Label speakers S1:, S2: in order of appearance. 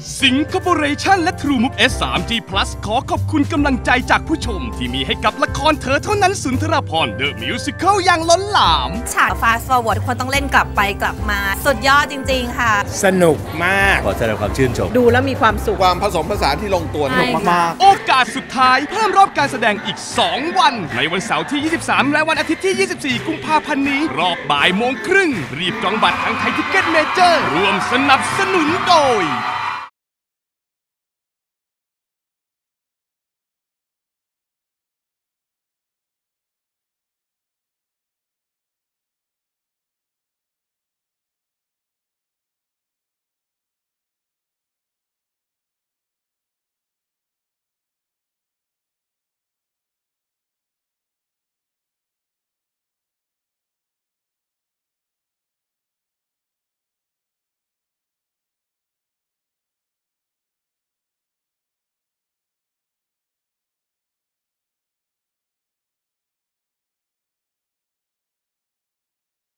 S1: สิงคโปร์เรชั่นและ True Move S 3G Plus ขอขอบคุณกำลังใจจากผู้ชมที่มีให้กับละครเธอเท่านั้นสุนทรภรณ์ The Musical อย่างล้นหลาม
S2: ฉาก Fast Forward ทุกคนต้องเล่นกลับไปกลับมาสุดยอดจริงๆค่ะ
S3: สนุกมาก
S4: ขอแสดงความชื่นชม
S5: ดูแล้วมีความสุข
S6: ความผสมผสานที่ลงตัวมาก
S1: โอกาสสุดท้ายเพิ่มรอบการแสดงอีก2วันในวันเสาร์ที่23และวันอาทิตย์ที่24กุมภาพันธ์นี้รอบบ่ายโมงครึ่งรีบจองบัตรทางไทยทิกเก็ตเมเจอร์ร่วมสนับสนุนโดย